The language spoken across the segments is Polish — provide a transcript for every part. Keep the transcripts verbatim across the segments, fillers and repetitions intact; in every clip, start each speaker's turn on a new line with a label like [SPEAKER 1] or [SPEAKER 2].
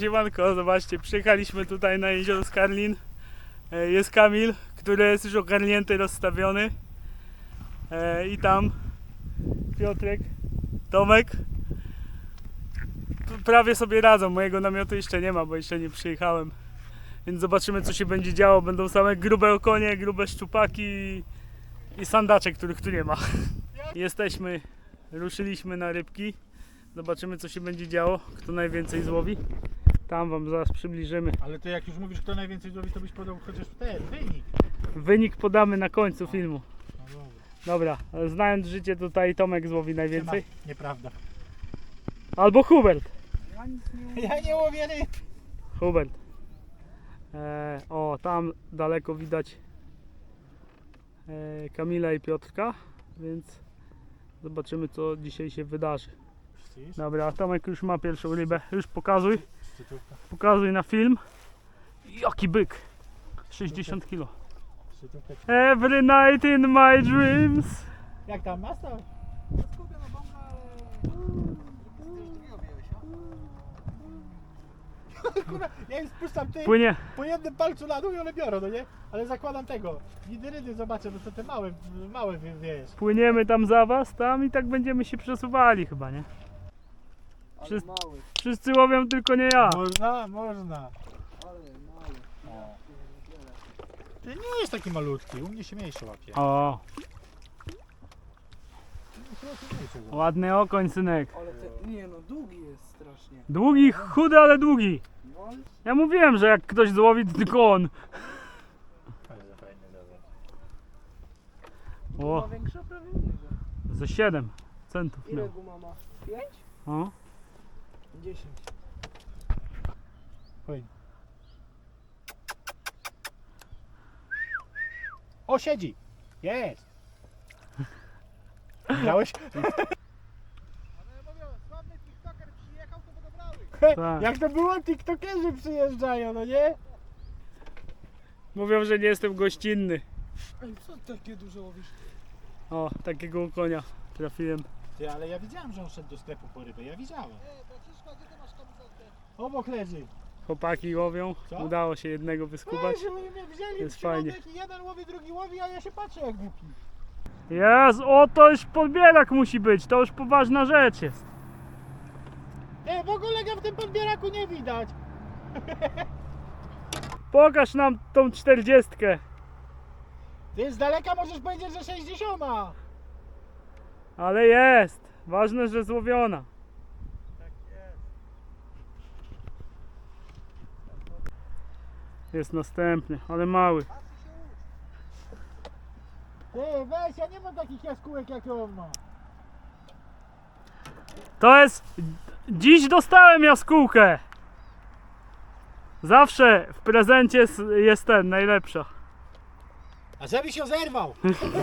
[SPEAKER 1] Siemanko, zobaczcie, przyjechaliśmy tutaj na jezioro Skarlin. Jest Kamil, który jest już ogarnięty, rozstawiony. I tam Piotrek, Tomek. Prawie sobie radzą, mojego namiotu jeszcze nie ma, bo jeszcze nie przyjechałem. Więc zobaczymy, co się będzie działo. Będą same grube okonie, grube szczupaki i sandacze, których tu nie ma. Jesteśmy, ruszyliśmy na rybki. Zobaczymy, co się będzie działo, kto najwięcej złowi. Tam wam zaraz przybliżymy.
[SPEAKER 2] Ale to jak już mówisz, kto najwięcej złowi, to byś podał chociaż ten wynik.
[SPEAKER 1] Wynik podamy na końcu filmu.
[SPEAKER 2] No dobra.
[SPEAKER 1] Dobra, ale znając życie, tutaj Tomek złowi najwięcej.
[SPEAKER 2] Siema. Nieprawda.
[SPEAKER 1] Albo Hubert.
[SPEAKER 2] Ja nic nie, ja nie łowię ryb.
[SPEAKER 1] Hubert. E, o, tam daleko widać e, Kamila i Piotrka, więc zobaczymy, co dzisiaj się wydarzy. Dobra, Tomek już ma pierwszą rybę. Już pokazuj. Pokazuj na film. Jaki byk. sześćdziesiąt kilo. Every night in my dreams.
[SPEAKER 2] Jak tam masz tam? Kurwa, ja im spuszczam ty
[SPEAKER 1] Płynie.
[SPEAKER 2] po jednym palcu na dół i one biorą, no nie? Ale zakładam tego. Nidyrydy zobaczę, no to te małe, małe wiesz.
[SPEAKER 1] Płyniemy tam za was, tam i tak będziemy się przesuwali chyba, nie? Wszyscy, wszyscy łowią, tylko nie ja.
[SPEAKER 2] Można, można. Ty nie jest taki malutki, u mnie się mniejszy łapie.
[SPEAKER 1] O, ładny okoń, synek.
[SPEAKER 3] Ale te, nie no, długi jest strasznie.
[SPEAKER 1] Długi, chudy, ale długi.
[SPEAKER 3] No, ale
[SPEAKER 1] Ja mówiłem, że jak ktoś złowi, to tylko on.
[SPEAKER 2] Bardzo fajny dozor.
[SPEAKER 1] O,
[SPEAKER 3] ma większa prawie niego.
[SPEAKER 1] ze siedem centów
[SPEAKER 3] Ile
[SPEAKER 1] miał.
[SPEAKER 3] guma ma? pięć?
[SPEAKER 1] O,
[SPEAKER 3] dziesięć.
[SPEAKER 2] Fajnie. O, siedzi! Jest! Widziałeś?
[SPEAKER 1] tak.
[SPEAKER 2] Jak to było? TikTokerzy przyjeżdżają, no nie?
[SPEAKER 1] Mówią, że nie jestem gościnny.
[SPEAKER 3] Ej, co takie duże łowisz?
[SPEAKER 1] O, takiego konia trafiłem.
[SPEAKER 2] Ty, ale ja widziałem, że on szedł do sklepu po rybę, ja widziałem. Obok leży.
[SPEAKER 1] Chłopaki łowią.
[SPEAKER 2] Co?
[SPEAKER 1] Udało się jednego wyskubać.
[SPEAKER 2] Weź, oni mnie wzięli
[SPEAKER 1] Jest
[SPEAKER 2] w środek
[SPEAKER 1] fajnie.
[SPEAKER 2] i jeden łowi, drugi łowi, a ja się patrzę jak głupi.
[SPEAKER 1] Jest, o to już podbierak musi być. To już poważna rzecz jest.
[SPEAKER 2] Nie, w ogóle go w tym podbieraku nie widać.
[SPEAKER 1] Pokaż nam tą czterdziestkę.
[SPEAKER 2] Ty z daleka możesz powiedzieć, że sześćdziesiąta.
[SPEAKER 1] Ale jest. Ważne, że złowiona.
[SPEAKER 2] Tak jest.
[SPEAKER 1] Jest następny, ale mały.
[SPEAKER 2] Ty, weź, ja nie mam takich jaskółek jak on ma.
[SPEAKER 1] To jest... Dziś dostałem jaskółkę. Zawsze w prezencie jest- jest ten, najlepsza.
[SPEAKER 2] A żebyś się zerwał.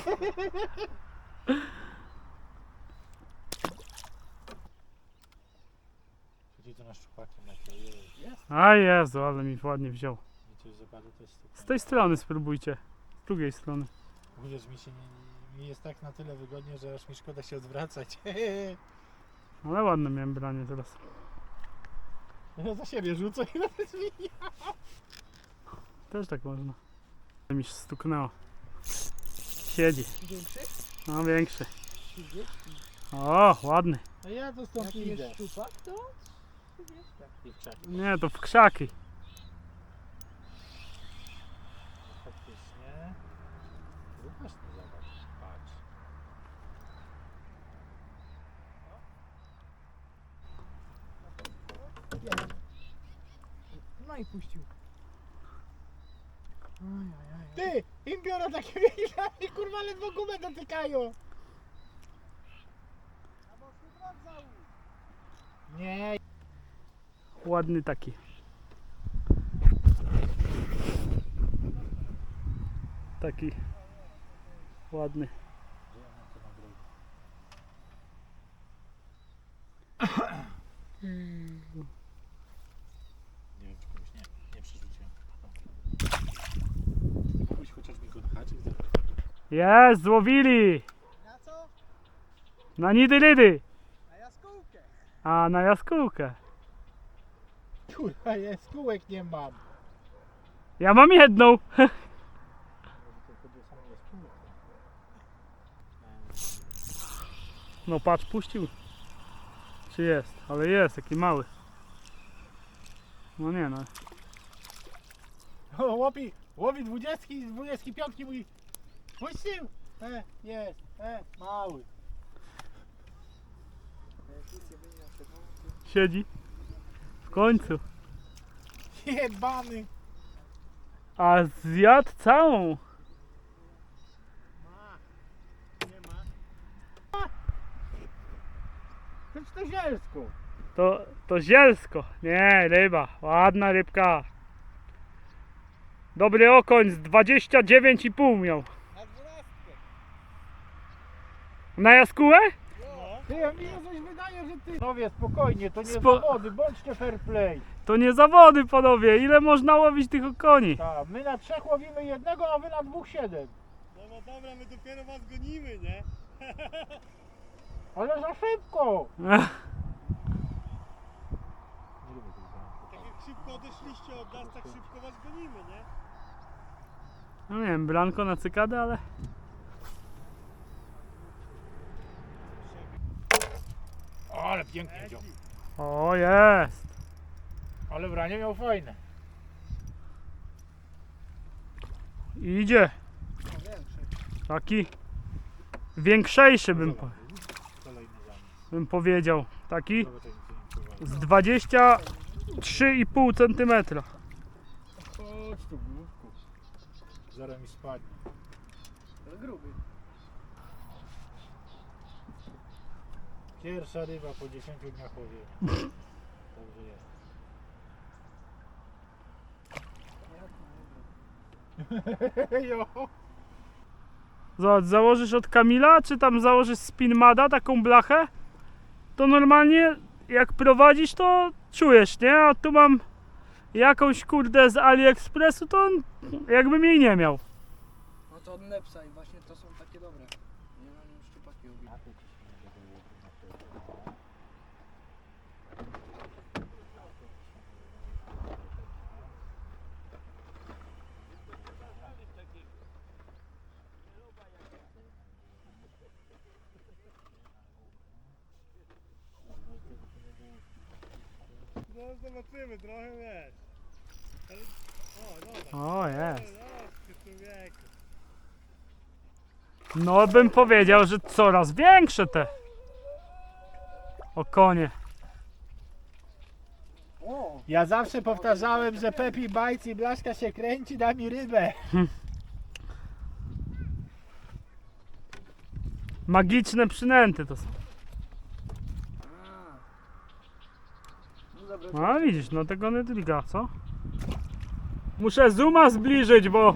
[SPEAKER 2] Chodzi to na szczupakiem na to jest.
[SPEAKER 1] A Jezu, ale mi ładnie wziął.
[SPEAKER 2] I coś zapadło, to jest
[SPEAKER 1] Z tej strony spróbujcie. Z drugiej strony.
[SPEAKER 2] Mówisz, mi się nie, mi jest tak na tyle wygodnie, że aż mi szkoda się odwracać.
[SPEAKER 1] Ale ładne miałem branie teraz.
[SPEAKER 2] Ja za siebie rzucę i nawet zmienia.
[SPEAKER 1] Też tak można. Mi się stuknęło. Siedzi.
[SPEAKER 3] Większy?
[SPEAKER 1] No większy.
[SPEAKER 3] trzydzieści.
[SPEAKER 1] O, ładny.
[SPEAKER 2] A ja to stąd
[SPEAKER 3] Jaki
[SPEAKER 2] idę.
[SPEAKER 3] jest szczupak, to trzydzieści.
[SPEAKER 2] I w krzaki.
[SPEAKER 1] Nie, to w krzaki.
[SPEAKER 2] Faktycznie. Właśnie zobacz, patrz.
[SPEAKER 3] No i puścił. Aj, aj, aj.
[SPEAKER 2] Ty! Im biorą takie wielkie, kurwa, ledwo gumę dotykają. Nie.
[SPEAKER 1] Ładny taki. Taki ładny.
[SPEAKER 2] Nie wiem, czy komuś nie, nie przerzuciłem. Komuś chociaż mi go haczyk zabrał.
[SPEAKER 1] Jest, złowili!
[SPEAKER 3] Na co?
[SPEAKER 1] Na nidyrydy!
[SPEAKER 3] Na jaskółkę.
[SPEAKER 1] A, na jaskółkę.
[SPEAKER 2] Kurwa, jest, kółek nie mam.
[SPEAKER 1] Ja mam jedną. No patrz, puścił. Czy jest? Ale jest, taki mały. No nie no.
[SPEAKER 2] O, łowi, łowi dwudziestki, z dwudziestki piątki mówi. Puścił? E, jest, e, mały.
[SPEAKER 1] Siedzi. W końcu.
[SPEAKER 2] Jebany.
[SPEAKER 1] A zjadł całą.
[SPEAKER 2] Ma. Nie ma. A! To to zielsko.
[SPEAKER 1] To, to zielsko. Nie, ryba. Ładna rybka. Dobry okoń z dwadzieścia dziewięć i pół miał.
[SPEAKER 2] Na dwunastkę.
[SPEAKER 1] Na jaskółę?
[SPEAKER 2] Ty, a mi się coś wydaje, że ty... Panowie, spokojnie, to nie
[SPEAKER 1] Spo-
[SPEAKER 2] zawody, bądźcie fair play.
[SPEAKER 1] To nie zawody, panowie. Ile można łowić tych okoni?
[SPEAKER 2] Tak, my na trzech łowimy jednego, a wy na dwóch siedem.
[SPEAKER 4] No no dobra, my dopiero was gonimy, nie?
[SPEAKER 2] Ale za szybko.
[SPEAKER 4] Tak jak szybko odeszliście od nas, tak szybko was gonimy, nie?
[SPEAKER 1] No nie wiem, blanko na cykadę, ale...
[SPEAKER 2] O, ale pięknie wziął.
[SPEAKER 1] O, jest.
[SPEAKER 2] Ale branie miał fajne.
[SPEAKER 1] Idzie. Taki większejszy bym, po,
[SPEAKER 2] Kolejny zamek.
[SPEAKER 1] bym powiedział. Taki
[SPEAKER 2] Dobra, to nic nie wpływa.
[SPEAKER 1] z dwadzieścia trzy i pół centymetra.
[SPEAKER 2] Chodź tu, główku. Zaraz mi spadnie.
[SPEAKER 3] Ale gruby.
[SPEAKER 2] Pierwsza ryba po dziesięciu dniach łowienia. Dobrze jest. Jo.
[SPEAKER 1] Zobacz, założysz od Kamila, czy tam założysz Spinmada, taką blachę, to normalnie jak prowadzisz, to czujesz, nie? A tu mam jakąś kurde z AliExpressu, to on jakbym jej nie miał.
[SPEAKER 3] No to od Nepsa i właśnie to są takie dobre. Nie na nim szczupaki robię.
[SPEAKER 4] No zobaczymy, trochę wiesz. Ale... O, dobra.
[SPEAKER 1] O, jest.
[SPEAKER 4] O, ty człowieku.
[SPEAKER 1] No bym powiedział, że coraz większe te okonie.
[SPEAKER 3] O!
[SPEAKER 2] Ja zawsze powtarzałem, że Pepi Bajc i blaszka się kręci, da mi rybę.
[SPEAKER 1] Magiczne przynęty to są.
[SPEAKER 3] A. No dobra.
[SPEAKER 1] A widzisz, no tego nie dźwiga, co? Muszę zooma zbliżyć, bo...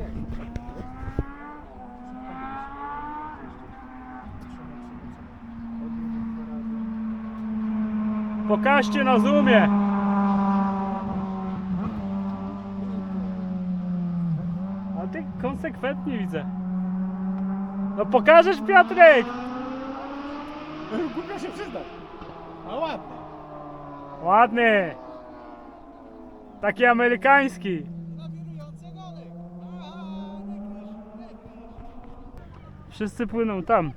[SPEAKER 1] Pokażcie na zoomie. A ty konsekwentnie widzę. No pokażesz, Piotrek!
[SPEAKER 2] Głupio się przyznać. A ładne.
[SPEAKER 1] Ładny. Taki amerykański.
[SPEAKER 3] Nawirujące gony. A, nie gryź, nie gryź.
[SPEAKER 1] Wszyscy płyną tam.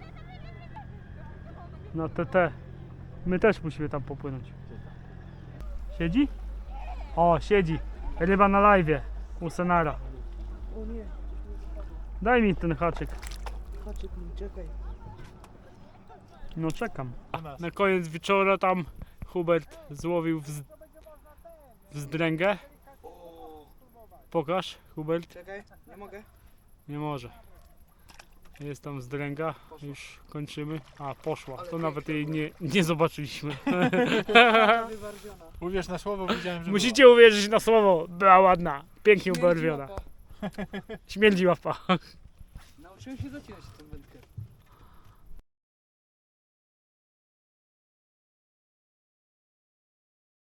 [SPEAKER 1] Na T T. My też musimy tam popłynąć. Siedzi? O, siedzi. Ryba na live'ie. U Senara.
[SPEAKER 3] O nie.
[SPEAKER 1] Daj mi ten haczyk.
[SPEAKER 3] Haczyk mi, czekaj.
[SPEAKER 1] No czekam.
[SPEAKER 2] U nas.
[SPEAKER 1] Na koniec wieczora tam Hubert złowił wz... wzdręgę.
[SPEAKER 3] O,
[SPEAKER 1] Pokaż, Hubert.
[SPEAKER 3] czekaj, nie mogę.
[SPEAKER 1] Nie może. Jest tam wzdręga. Już kończymy. A, poszła. To nawet jej nie, nie zobaczyliśmy.
[SPEAKER 3] Wybarwiona.
[SPEAKER 2] Uwierz na słowo, widziałem, że
[SPEAKER 1] Musicie uwierzyć na słowo. Była ładna. Pięknie
[SPEAKER 3] Śmierdzi
[SPEAKER 1] ubarwiona.
[SPEAKER 3] łapa.
[SPEAKER 1] Śmierdzi łapa.
[SPEAKER 3] Nauczyłem się zacinać tę wędkę.